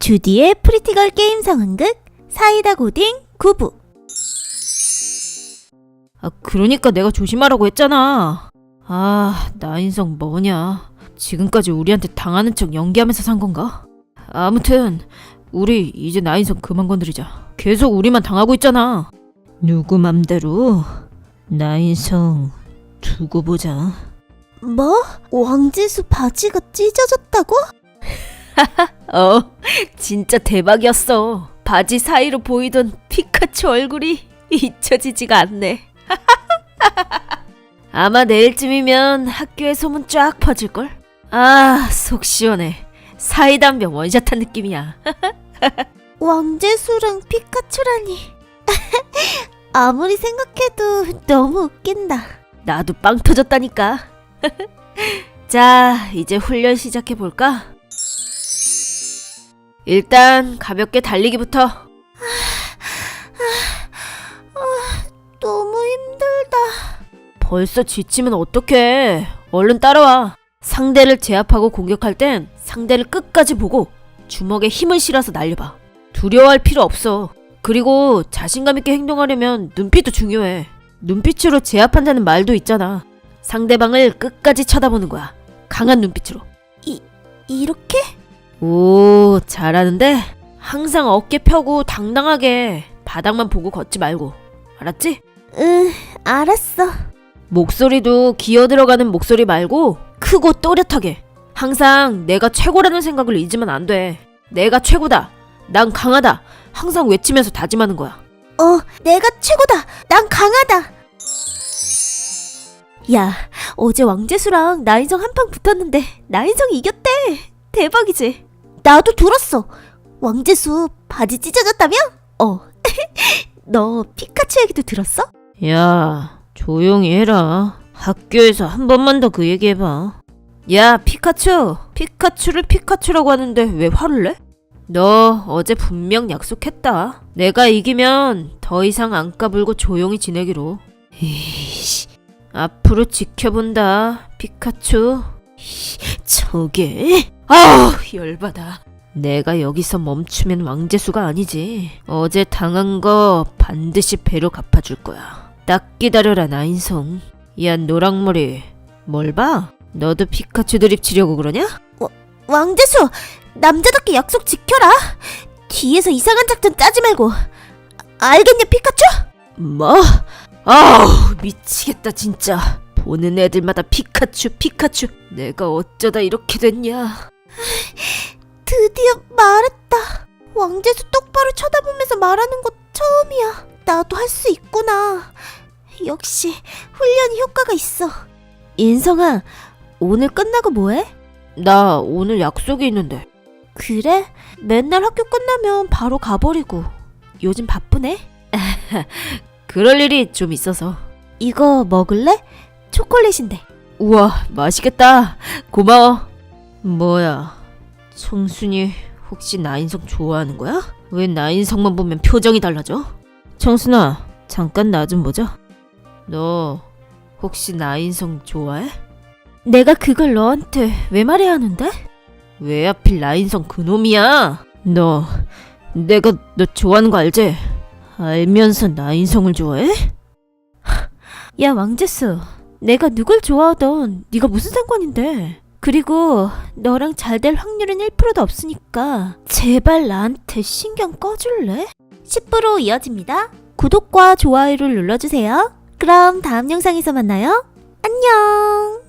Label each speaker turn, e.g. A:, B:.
A: 주디의 프리티걸 게임 상황극 사이다 고딩 9부.
B: 그러니까 내가 조심하라고 했잖아. 나인성 뭐냐. 지금까지 우리한테 당하는 척 연기하면서 산 건가? 아무튼 우리 이제 나인성 그만 건드리자. 계속 우리만 당하고 있잖아. 누구 맘대로 나인성 두고 보자.
A: 뭐? 왕지수 바지가 찢어졌다고?
B: 진짜 대박이었어. 바지 사이로 보이던 피카츄 얼굴이 잊혀지지가 않네. 아마 내일쯤이면 학교에 소문 쫙 퍼질걸? 속 시원해. 사이다 한 병 원샷한 느낌이야.
A: 왕재수랑 피카츄라니. 아무리 생각해도 너무 웃긴다.
B: 나도 빵 터졌다니까. 자, 이제 훈련 시작해볼까? 일단 가볍게 달리기부터.
A: 너무 힘들다.
B: 벌써 지치면 어떡해. 얼른 따라와. 상대를 제압하고 공격할 땐 상대를 끝까지 보고 주먹에 힘을 실어서 날려봐. 두려워할 필요 없어. 그리고 자신감 있게 행동하려면 눈빛도 중요해. 눈빛으로 제압한다는 말도 있잖아. 상대방을 끝까지 쳐다보는 거야. 강한 눈빛으로.
A: 이렇게?
B: 오, 잘하는데? 항상 어깨 펴고 당당하게 바닥만 보고 걷지 말고. 알았지?
A: 응, 알았어.
B: 목소리도 기어 들어가는 목소리 말고 크고 또렷하게. 항상 내가 최고라는 생각을 잊으면 안 돼. 내가 최고다. 난 강하다. 항상 외치면서 다짐하는 거야.
A: 내가 최고다. 난 강하다. 야, 어제 왕재수랑 나인성 한판 붙었는데 나인성이 이겼대. 대박이지? 나도 들었어. 왕재수 바지 찢어졌다며? 너 피카츄 얘기도 들었어?
B: 야, 조용히 해라. 학교에서 한 번만 더 그 얘기 해봐. 야, 피카츄. 피카츄를 피카츄라고 하는데 왜 화를 내? 너 어제 분명 약속했다. 내가 이기면 더 이상 안 까불고 조용히 지내기로. 이씨, 앞으로 지켜본다, 피카츄. 저게? 열받아. 내가 여기서 멈추면 왕재수가 아니지. 어제 당한 거 반드시 배로 갚아줄 거야. 딱 기다려라, 나인성. 야, 노랑머리. 뭘 봐? 너도 피카츄 드립 치려고 그러냐?
A: 왕재수, 남자답게 약속 지켜라. 뒤에서 이상한 작전 짜지 말고. 알겠냐, 피카츄?
B: 뭐? 미치겠다 진짜. 보는 애들마다 피카츄. 내가 어쩌다 이렇게 됐냐.
A: 드디어 말했다. 왕재수 똑바로 쳐다보면서 말하는 거 처음이야. 나도 할 수 있구나. 역시 훈련이 효과가 있어. 인성아, 오늘 끝나고 뭐해?
B: 나 오늘 약속이 있는데.
A: 그래? 맨날 학교 끝나면 바로 가버리고. 요즘 바쁘네?
B: 그럴 일이 좀 있어서.
A: 이거 먹을래? 초콜릿인데.
B: 우와, 맛있겠다. 고마워. 뭐야, 청순이 혹시 나인성 좋아하는 거야? 왜 나인성만 보면 표정이 달라져? 청순아, 잠깐 나 좀 보자. 너 혹시 나인성 좋아해?
A: 내가 그걸 너한테 왜 말해야 하는데?
B: 왜 하필 나인성 그놈이야? 내가 너 좋아하는 거 알지? 알면서 나인성을 좋아해?
A: 야, 왕재수, 내가 누굴 좋아하던 네가 무슨 상관인데. 그리고 너랑 잘 될 확률은 1%도 없으니까 제발 나한테 신경 꺼줄래? 10% 이어집니다. 구독과 좋아요를 눌러주세요. 그럼 다음 영상에서 만나요. 안녕.